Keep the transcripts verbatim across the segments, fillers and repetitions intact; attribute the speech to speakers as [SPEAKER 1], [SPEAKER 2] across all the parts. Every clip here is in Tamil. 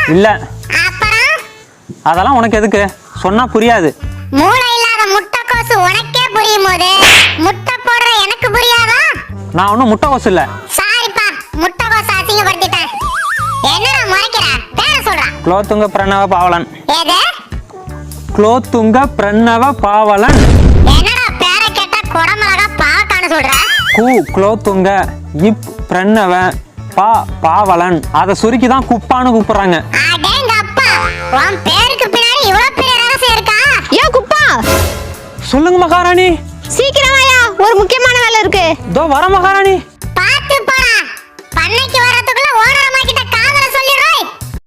[SPEAKER 1] இல்ல.
[SPEAKER 2] அப்புறம்
[SPEAKER 1] அதெல்லாம் உனக்கு எதுக்கு? சொன்னா புரியாது.
[SPEAKER 2] மூளை இல்லாத முட்டைக்கோசு உனக்கே புரியும் போது முட்டை போடுற எனக்கு புரியாதா?
[SPEAKER 1] நான் ஒன்றும் முட்டைக்கோசு இல்லை.
[SPEAKER 2] சாரிப்பா, முட்டைக்கோசு அசிங்கப்படுத்திட்டேன். என்னடா முறைக்கிற? பேர சொல்றா.
[SPEAKER 1] குலோத்துங்க பிரணவ பாவலன்.
[SPEAKER 2] ஏது?
[SPEAKER 1] குலோத்துங்க பிரணவ பாவலன்.
[SPEAKER 2] என்னடா பேர கேட்டா குடமிளகா பாவக்கான்னு சொல்ற?
[SPEAKER 1] கு குலோத்துங்க, இப் பிரணவ, பா பாவலன். அதை சுருக்கி தான் குப்பான்னு கூப்பிடுறாங்க.
[SPEAKER 2] அடேங்கப்பா, உன் பேருக்கு பின்னாடி இவ்வளவு பெரிய ரகசியம் இருக்கா?
[SPEAKER 3] ஏ குப்பா,
[SPEAKER 1] சொல்லுங்க மகாராணி.
[SPEAKER 3] சீக்கிரம் வாயா, ஒரு முக்கியமான வேலை இருக்கு.
[SPEAKER 1] இதோ வர மகாராணி.
[SPEAKER 2] பாத்து போடா, பண்ணைக்கு வரதுக்குள்ள ஓனரம்மா கிட்ட காதல சொல்லிடுறோய்.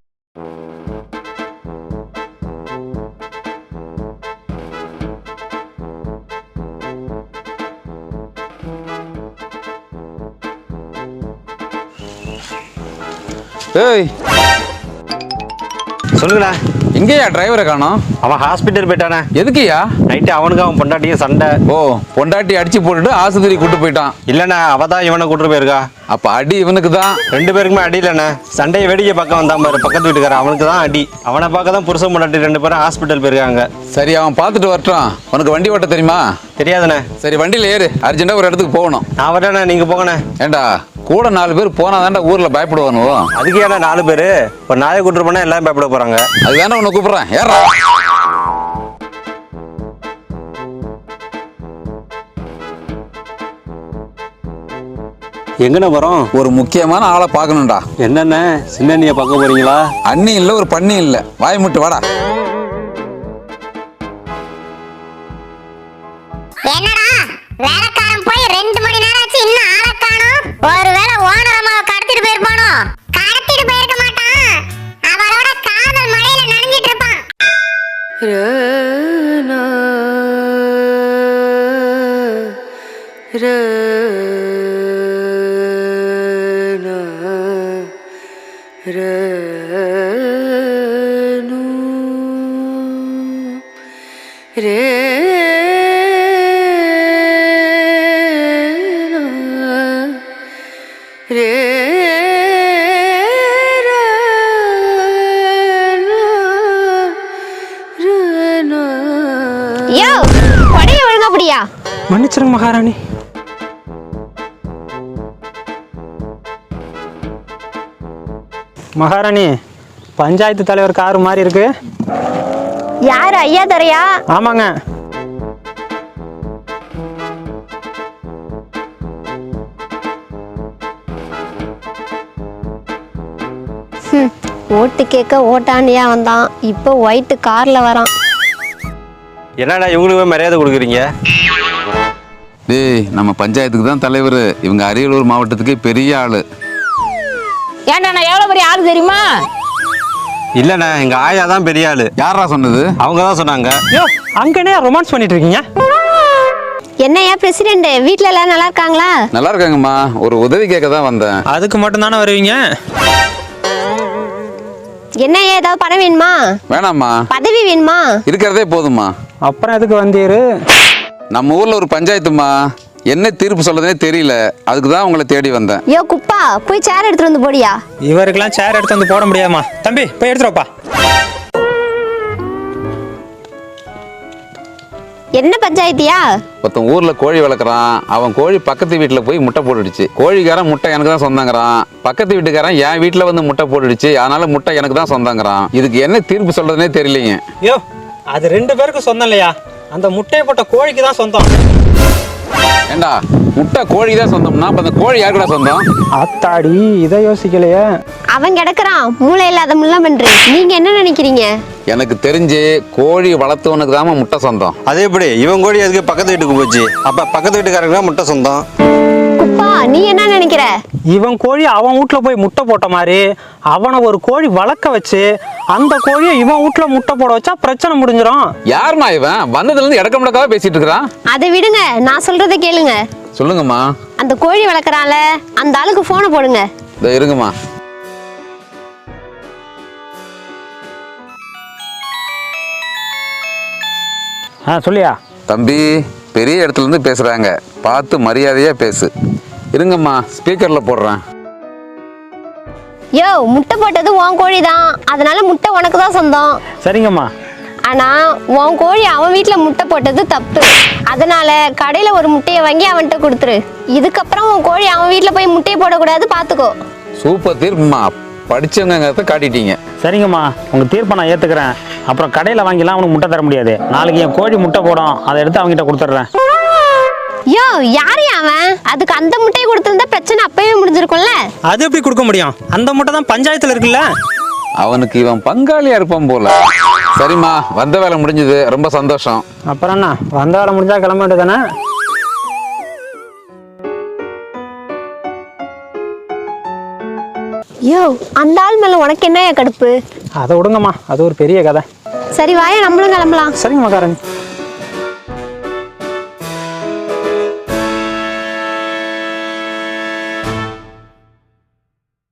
[SPEAKER 4] ஏய்,
[SPEAKER 5] சொல்லுங்கண்ணா.
[SPEAKER 4] எங்கேயா டிரைவரை காணோம்?
[SPEAKER 5] அவன் ஹாஸ்பிட்டல் போயிட்டானே.
[SPEAKER 4] எதுக்குயா?
[SPEAKER 5] நைட்டு அவனுக்கு அவன் பொண்டாட்டியும் சண்டை.
[SPEAKER 4] ஓ, பொண்டாட்டி அடிச்சு போட்டுட்டு ஆஸ்பத்திரி கூட்டு போயிட்டான்.
[SPEAKER 5] இல்லைண்ணா, அவ தான் இவனை கூட்டு போயிருக்கா.
[SPEAKER 4] அப்ப அடி இவனுக்கு தான்.
[SPEAKER 5] ரெண்டு பேருக்குமே அடி இல்லைண்ணா. சண்டையை வேடிக்கை பக்கம் வந்தான் பாரு பக்கத்து வீட்டுக்காரன், அவனுக்கு தான் அடி. அவனை பார்க்க தான் புருஷன் பொண்டாட்டி ரெண்டு பேரும் ஹாஸ்பிட்டல் போயிருக்காங்க.
[SPEAKER 4] சரி, அவன் பார்த்துட்டு வரட்டும். உனக்கு வண்டி ஓட்ட தெரியுமா?
[SPEAKER 5] தெரியாதுண்ணே.
[SPEAKER 4] சரி, வண்டியில் ஏறு, அர்ஜென்ட்டா ஒரு இடத்துக்கு போகணும்.
[SPEAKER 5] நான் வரேண்ணே, நீங்க போங்கண்ணே.
[SPEAKER 4] ஏண்டா, கூட நாலு பேர் போனா தாண்டா ஊர்ல பயப்படுவானோ.
[SPEAKER 5] அதுக்கு ஏன்னா நாலு பேரு ஒரு நாயை கூட்டு போனா எல்லாரும் பயப்பட போறாங்க.
[SPEAKER 4] அது வேணா உன்னை கூப்பிடுறேன், ஏறா.
[SPEAKER 5] எங்கண்ணே போறோம்?
[SPEAKER 4] ஒரு முக்கியமான ஆளை பார்க்கணும்டா.
[SPEAKER 5] என்னண்ணே, சின்ன அண்ணியை பார்க்க போறீங்களா?
[SPEAKER 4] அண்ணி இல்ல, ஒரு பண்ணி இல்ல, வாய் முட்டு வாடா.
[SPEAKER 2] என்னடா வேலைக்காரன் போய் ரெண்டு மணி நேரம் ஆச்சு, இன்னும் ஆளை காணோம். ஒருவேளை ஓனரம்மாவை கடத்திட்டு போயிருப்பானோ? கடத்திட்டு போயிருக்க மாட்டான், அவளோட காதல் மழையில நனைஞ்சிட்டு இருப்பான்.
[SPEAKER 3] யோ, கொடைய ஒழுங்கா புடியா.
[SPEAKER 1] மன்னிச்சிருங்க மகாராணி. மகாராணி, பஞ்சாயத்து தலைவர் காரு மாதிரி இருக்கு.
[SPEAKER 3] யாரு, ஐயா தரையா?
[SPEAKER 1] ஆமாங்க.
[SPEAKER 3] ஓட்டு கேட்க ஓட்டாண்டியா வந்தான், இப்போ ஒயிட் கார்ல வரான்.
[SPEAKER 5] என்னடா இவங்களுக்கு மரியாதை கொடுக்குறீங்க?
[SPEAKER 4] டேய், நம்ம பஞ்சாயத்துக்கு தான் தலைவர். இவங்க அரியலூர் மாவட்டத்துக்கே பெரிய ஆளு.
[SPEAKER 6] ஏன்டா நான் எவ்வளவு பெரிய ஆளு தெரியுமா?
[SPEAKER 5] இல்லண்ணா, எங்க ஆயா தான் பெரிய ஆளு.
[SPEAKER 4] யாரா சொன்னது?
[SPEAKER 5] அவங்க தான் சொன்னாங்க.
[SPEAKER 1] யோ, அங்கனே ரொமான்ஸ் பண்ணிட்டு இருக்கீங்க.
[SPEAKER 3] என்னையா பிரசிடென்ட், வீட்ல எல்லாம் நல்லா இருக்காங்களா?
[SPEAKER 4] நல்லா இருக்காங்கம்மா. ஒரு உதவி கேட்க தான் வந்தேன்.
[SPEAKER 1] அதுக்கு மட்டும் தானே வருவீங்க?
[SPEAKER 3] என்னையா, ஏதாவது பணம் வேணுமா?
[SPEAKER 4] வேணாம்மா,
[SPEAKER 3] பதவி வேணுமா?
[SPEAKER 4] இருக்கிறதே போதும்மா.
[SPEAKER 1] அப்புறம் எதுக்கு வந்தீரு?
[SPEAKER 4] நம்ம ஊர்ல ஒரு பஞ்சாயத்துமா, என்ன தீர்ப்பு சொல்றதுனே தெரியல, அதுக்கு தான் உங்களை தேடி வந்தேன்.
[SPEAKER 3] யோ குப்பா, போய் சேர் எடுத்துட்டு வந்து போடியா.
[SPEAKER 1] இவருக்கெல்லாம் சேர் எடுத்து வந்து போட முடியாதுமா. தம்பி, போய் எடுத்துருப்பா.
[SPEAKER 3] என்ன பஞ்சாயத்தியா?
[SPEAKER 4] ஒருத்தன் ஊர்ல கோழி வளர்க்குறான். அவன் கோழி பக்கத்து வீட்டுல போய் முட்டை போட்டுடுச்சு. கோழிக்காரன் முட்டை எனக்கு தான் சொந்தங்கிறான். பக்கத்து வீட்டுக்காரன் என் வீட்டுல வந்து முட்டை போட்டுடுச்சு, அதனால முட்டை எனக்கு தான் சொந்தங்கிறான். இதுக்கு என்ன தீர்ப்பு சொல்றதுனே தெரியலைங்க.
[SPEAKER 1] யோ, அது ரெண்டு பேருக்கு சொந்தம் இல்லையா? அந்த முட்டையை போட்ட கோழிக்கு தான் சொந்தம்.
[SPEAKER 4] ஏண்டா, முட்டை கோழி தான் சொந்தம்னா அப்ப அந்த கோழி யாருக்குடா சொந்தம்?
[SPEAKER 1] அத்தாடி, இதை யோசிக்கலையே.
[SPEAKER 3] அவன் கிடக்குறான் மூளை இல்லாத முள்ள பண்றீ. நீங்க என்ன நினைக்கிறீங்க?
[SPEAKER 4] எனக்கு தெரிஞ்சு கோழி வளர்த்தவனுக்கு தான் முட்டை சொந்தம்.
[SPEAKER 5] அது எப்படி? இவன் கோழி அதுக்கு பக்கத்து வீட்டுக்கு போச்சு, அப்ப பக்கத்து வீட்டுக்காரங்க தான் முட்டை சொந்தம்.
[SPEAKER 3] குப்பா, நீ என்ன நினைக்கிற?
[SPEAKER 1] இவன் கோழி அவன் வீட்டுல போய் முட்டை போட்ட மாதிரி அவனை ஒரு கோழி வளர்க்க வச்சு அந்த கோழியை இவன் வீட்டுல முட்டை போட வச்சா பிரச்சனை முடிஞ்சிடும்.
[SPEAKER 4] யாருமா இவன்? வந்ததுல இருந்து இடக்க முடக்காவே பேசிட்டு இருக்கிறான்.
[SPEAKER 3] அதை விடுங்க, நான் சொல்றதை கேளுங்க.
[SPEAKER 4] சொல்லுங்கம்மா.
[SPEAKER 3] அந்த கோழி வளர்க்குறான்ல, அந்த ஆளுக்கு போனை போடுங்க.
[SPEAKER 4] இதோ இருங்கம்மா.
[SPEAKER 1] ஆ, சொல்லியா?
[SPEAKER 4] தம்பி, பெரிய இடத்துல இருந்து பேசுறாங்க, பார்த்து மரியாதையா பேசு. இருங்கம்மா, ஸ்பீக்கர்ல போடுறேன்.
[SPEAKER 3] யோ முட்டை போட்டது உன் கோழி தான், அதனால முட்டை உனக்கு தான் சொந்தம்.
[SPEAKER 1] சரிங்கம்மா.
[SPEAKER 3] ஆனா உன் கோழி அவன் வீட்டுல முட்டை போட்டது தப்பு. அதனால கடையில ஒரு முட்டையை வாங்கி அவன்கிட்ட கொடுத்துரு. இதுக்கப்புறம் உன் கோழி அவன் வீட்டுல போய் முட்டையை போடக்கூடாது, பாத்துக்கோ.
[SPEAKER 4] சூப்பர் தீர்ப்புமா, படிச்சவங்கிறத காட்டிட்டீங்க.
[SPEAKER 1] சரிங்கம்மா, உங்க தீர்ப்பை நான் ஏத்துக்கிறேன். அப்புறம் கடையில வாங்கிலாம் அவனுக்கு முட்டை தர முடியாது. நாளைக்கு என் கோழி முட்டை போடும், அதை எடுத்து அவங்ககிட்ட கொடுத்துட்றேன்.
[SPEAKER 3] யோ யாரு அவன்? அதுக்கு அந்த முட்டையை கொடுத்திருந்தா பிரச்சனை அப்பவே முடிஞ்சிருக்கும்ல.
[SPEAKER 1] அது எப்படி கொடுக்க முடியும்? அந்த முட்டை தான் பஞ்சாயத்துல இருக்குல்ல.
[SPEAKER 4] அவனுக்கு இவன் பங்காளியா இருப்பான் போல. சரிம்மா, வந்த வேலை முடிஞ்சது, ரொம்ப சந்தோஷம்.
[SPEAKER 1] அப்புறம் என்ன, வந்த வேலை முடிஞ்சா கிளம்ப வேண்டியதானே?
[SPEAKER 3] யோ அந்த ஆள் மேல உனக்கு என்னையா கடுப்பு?
[SPEAKER 1] அதை விடுங்கம்மா, அது ஒரு பெரிய கதை.
[SPEAKER 3] சரி வாயா நம்மளும் கிளம்பலாம்.
[SPEAKER 1] சரிங்கம்மா காரங்க.